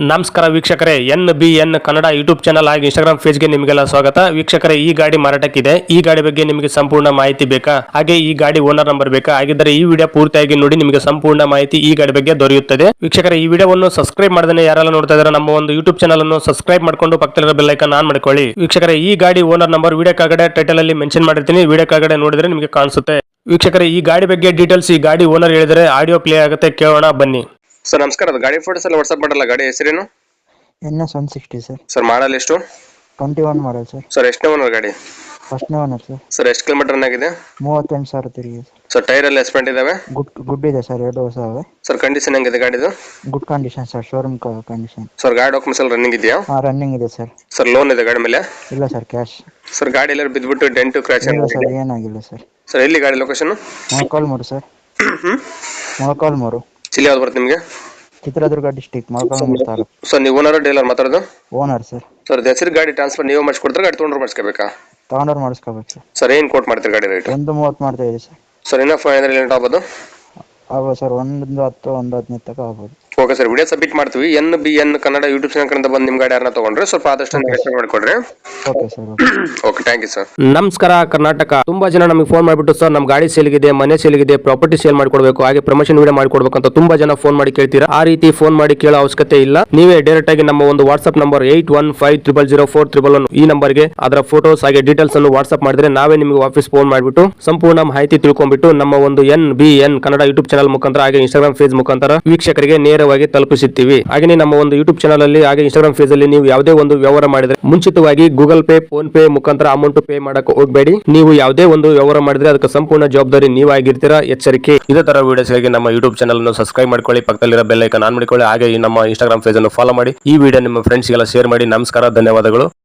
ನಮಸ್ಕಾರ ವೀಕ್ಷಕರೇ, NBN Kannada YouTube channel ಹಾಗೂ ಇನ್ಸ್ಟಾಗ್ರಾಮ್ ಪೇಜ್ಗೆ ನಿಮಗೆಲ್ಲ ಸ್ವಾಗತ. ವೀಕ್ಷಕರೇ, ಈ ಗಾಡಿ ಮಾರಾಟಕ್ಕಿದೆ. ಈ ಗಾಡಿ ಬಗ್ಗೆ ನಿಮಗೆ ಸಂಪೂರ್ಣ ಮಾಹಿತಿ ಬೇಕಾ, ಹಾಗೆ ಈ ಗಾಡಿ ಓನರ್ ನಂಬರ್ ಬೇಕಾ? ಹಾಗಿದ್ದರೆ ಈ ವಿಡಿಯೋ ಪೂರ್ತಿಯಾಗಿ ನೋಡಿ, ನಿಮಗೆ ಸಂಪೂರ್ಣ ಮಾಹಿತಿ ಈ ಗಾಡಿ ಬಗ್ಗೆ ದೊರೆಯುತ್ತದೆ. ವೀಕ್ಷಕರೇ, ಈ ವಿಡಿಯೋವನ್ನು ಸಬ್ಸ್ಕ್ರೈಬ್ ಮಾಡದೇ ಯಾರೆಲ್ಲ ನೋಡ್ತಾ ಇದ್ದಾರೆ ನಮ್ಮ ಒಂದು ಯೂಟ್ಯೂಬ್ ಚಾನಲ್ ಅನ್ನು ಸಬ್ಸ್ಕ್ರೈಬ್ ಮಾಡ್ಕೊಂಡು ಪಕ್ಕದಲ್ಲಿರೋ ಬೆಲ್ ಐಕಾನ್ ಆನ್ ಮಾಡ್ಕೊಳ್ಳಿ. ವೀಕ್ಷಕರೇ, ಈ ಗಾಡಿ ಓನರ್ ನಂಬರ್ ವಿಡಿಯೋ ಕೆಳಗಡೆ ಟೈಟಲ್ ಅಲ್ಲಿ ಮೆನ್ಷನ್ ಮಾಡಿರ್ತೀನಿ, ವಿಡಿಯೋ ಕೆಳಗಡೆ ನೋಡಿದ್ರೆ ನಿಮಗೆ ಕಾಣಿಸುತ್ತೆ. ವೀಕ್ಷಕರೇ, ಈ ಗಾಡಿ ಬಗ್ಗೆ ಡೀಟೇಲ್ಸ್ ಈ ಗಾಡಿ ಓನರ್ ಹೇಳಿದರೆ ಆಡಿಯೋ ಪ್ಲೇ ಆಗುತ್ತೆ, ಕೇಳೋಣ ಬನ್ನಿ. ಸರ್ ನಮಸ್ಕಾರ, ಅದು ಗಾಡಿ ಫೋಟೋಸ್ ಎಲ್ಲ ವಾಟ್ಸ್ಆಪ್ ಮಾಡಲ್ಲ. ಗಾಡಿ ಹೆಸರೇನು? NS 160 sir. ಸರ್ ಮಾಡಲ್ ಎಷ್ಟು? 21 ಮಾಡಲ್ ಸರ್. ಸರ್ ಎಷ್ಟನೇ ಓನರ್ ಗಾಡಿ? ಫಸ್ಟ್ನೇ ಓನರ್ ಸರ್. ಸರ್ ಎಷ್ಟು ಕಿಲೋಮೀಟರ್ ರನ್ ಆಗಿದೆ? 38,000 ತಿರುಗಿದೆ ಸರ್. ಸರ್ ಟೈರ್ ಎಲ್ಲ ಎಸ್ಪೆಂಟ್ ಇದಾವೆ? ಗುಡ್ ಇದೆ ಸರ್, 2 ಹೊಸ ಅವೆ. ಸರ್ ಕಂಡೀಷನ್ ಹೆಂಗಿದೆ ಗಾಡಿದು? Good condition sir, showroom condition. Sir ಗಾಡಿ ಡಾಕ್ಯುಮೆಂಟ್ಸ್ ಎಲ್ಲ ರನ್ನಿಂಗ್ ಇದೆಯಾ? ರನ್ನಿಂಗ್ ಇದೆ ಸರ್. ಸರ್ ಲೋನ್ ಇದೆ ಗಾಡಿ ಮೇಲೆ? ಇಲ್ಲ ಸರ್, ಕ್ಯಾಶ್. ಸರ್ ಗಾಡಿ ಎಲ್ಲ ಬಿದ್ದುಬಿಟ್ಟು ಡೆಂಟು ಕ್ರ್ಯಾಚ್ ಇಲ್ಲ ಸರ್, ಏನಾಗಿಲ್ಲ ಸರ್. ಸರ್ ಎಲ್ಲಿ ಗಾಡಿ ಲೊಕೇಶನ್? ಮೊಳಕಾಲ್ಮೂರು ಸರ್. ಮೊಳಕಾಲ್ಮೂರು. ಚಿಲ್ಲಿ ಯಾವ್ದು ಬರುತ್ತೆ ನಿಮಗೆ? ಚಿತ್ರದುರ್ಗ ಡಿಸ್ಟಿಕ್, ಮೊಳಕಾಲ್ಮೂರು ತಾಲೂಕು. ಸರ್ ನೀವು ಓನರ್ ಡೀಲರ್ ಮಾತಾಡೋದು? Owner sir. ಸರ್ ಹೆಸರು ಗಾಡಿ ಟ್ರಾನ್ಸ್ಫರ್ ನೀವು ಮಾಡಿಸ್ಕೊಡ್ತಾರೆ, ಗಾಡಿ ತೊಗೊಂಡ್ರೆ ಮಾಡಿಸ್ಕೋಬೇಕಾ? ತಗೊಂಡವ್ರು ಮಾಡಿಸ್ಕೋಬೇಕು ಸರ್. ಸರ್ ಏನು ಕೋಟ್ ಮಾಡ್ತೀರಿ ಗಾಡಿ ರೇಟ್? 130 ಮಾಡ್ತಾ ಇದೆ ಸರ್. ಸರ್ ಇನ್ನೂ 500 ಲೇಟ್ ಆಗ್ಬೋದು? ಆಗ್ಬೋದು ಸರ್, 110, 115 ತನಕ ಆಗ್ಬೋದು. ಓಕೆ ಸರ್, ವಿಡಿಯೋ ಸಬ್ಮಿಟ್ ಮಾಡ್ತೀವಿ. NBN ಕನ್ನಡ ಯೂಟ್ಯೂಬ್ ಚಾನಲ್ ಕಡೆಯಿಂದ ಬಂದು ನಿಮ್ಮ ಗಾಡಿ ಯಾರನ್ನ ತಗೊಂಡ್ರೆ ಸ್ವಲ್ಪ ಆದಷ್ಟು ನೆಗೋಷಿಯೇಟ್ ಮಾಡಿಕೊಡ್ರಿ. Okay sir. Okay, thank you sir. ನಮಸ್ಕಾರ ಕರ್ನಾಟಕ. ತುಂಬಾ ಜನ ನಮಗೆ ಫೋನ್ ಮಾಡಿಬಿಟ್ಟು ಸರ್ ನಮ್ಮ ಗಾಡಿ ಸೇಲ್ಗಿದೆ, ಮನೆ ಸೇಲ್ಗಿದೆ, ಪ್ರಾಪರ್ಟಿ ಸೇಲ್ ಮಾಡ್ಕೊಡ್ಬೇಕು, ಹಾಗೆ ಪ್ರಮೋಷನ್ ವಿಡಿಯೋ ಮಾಡ್ಕೊಡ್ಬೇಕು ಅಂತ ತುಂಬಾ ಜನ ಫೋನ್ ಮಾಡಿ ಕೇಳ್ತೀರಾ. ಆ ರೀತಿ ಫೋನ್ ಮಾಡಿ ಕೇಳೋ ಅವಶ್ಯಕತೆ ಇಲ್ಲ. ನೀವೇ ಡೈರೆಕ್ಟ್ ಆಗಿ ನಮ್ಮ ಒಂದು ವಾಟ್ಸ್ಆಪ್ ನಂಬರ್ 81500411 ಈ ನಂಬರ್ಗೆ ಅದರ ಫೋಟೋಸ್ ಹಾಗೆ ಡೀಟೇಲ್ಸ್ ಅನ್ನು ವಾಟ್ಸ್ಆಪ್ ಮಾಡಿದ್ರೆ ನಾವೇ ನಿಮಗೆ ವಾಪಸ್ ಫೋನ್ ಮಾಡಿಬಿಟ್ಟು ಸಂಪೂರ್ಣ ಮಾಹಿತಿ ತಿಳ್ಕೊಂಡ್ಬಿಟ್ಟು ನಮ್ಮ ಒಂದು NBN ಕನ್ನಡ ಯೂಟ್ಯೂಬ್ ಚಾನಲ್ ಮುಖಾಂತರ ಹಾಗೆ ಇನ್ಸ್ಟಾಗ್ರಾಮ್ ಪೇಜ್ ಮುಖಾಂತರ ವೀಕ್ಷಕರಿಗೆ ನೇರವಾಗಿ ತಲುಪಿಸುತ್ತೀವಿ. ಹಾಗೆ ನಮ್ಮ ಒಂದು ಯೂಟ್ಯೂಬ್ ಚಾನಲ್ ಅಲ್ಲಿ ಹಾಗೆ ಇನ್ಸ್ಟಾಗ್ರಾಮ್ ಪೇಜ್ ಅಲ್ಲಿ ನೀವು ಯಾವುದೇ ಒಂದು ವ್ಯವಹಾರ ಮಾಡಿದ್ರೆ ಮುಂಚಿತವಾಗಿ ಗೂಗಲ್ ಪೇ, ಫೋನ್ ಪೇ ಮುಖಾಂತರ ಅಮೌಂಟ್ ಪೇ ಮಾಡಕ್ಕೆ ಹೋಗಬೇಡಿ. ನೀವು ಯಾವುದೇ ಒಂದು ವ್ಯವಹಾರ ಮಾಡಿದ್ರೆ ಅದಕ್ಕೆ ಸಂಪೂರ್ಣ ಜವಾಬ್ದಾರಿ ನೀವಾಗಿರ್ತೀರಾ, ಎಚ್ಚರಿಕೆ. ಇದೇ ತರ ವಿಡಿಯೋಸ್ಗಾಗಿ ನಮ್ಮ ಯೂಟ್ಯೂಬ್ ಚಾನಲ್ ಅನ್ನು ಸಬ್ಸ್ಕ್ರೈಬ್ ಮಾಡ್ಕೊಳ್ಳಿ, ಪಕ್ಕದಲ್ಲಿರೋ ಬೆಲ್ ಐಕಾನ್ ಆನ್ ಮಾಡಿಕೊಳ್ಳಿ, ಹಾಗೆ ನಮ್ಮ ಇನ್ಸ್ಟಾಗ್ರಾಮ್ ಪೇಜ್ ಅನ್ನು ಫಾಲೋ ಮಾಡಿ. ಈ ವಿಡಿಯೋ ನಿಮ್ಮ ಫ್ರೆಂಡ್ಸ್ಗೆಲ್ಲ ಶೇರ್ ಮಾಡಿ. ನಮಸ್ಕಾರ, ಧನ್ಯವಾದಗಳು.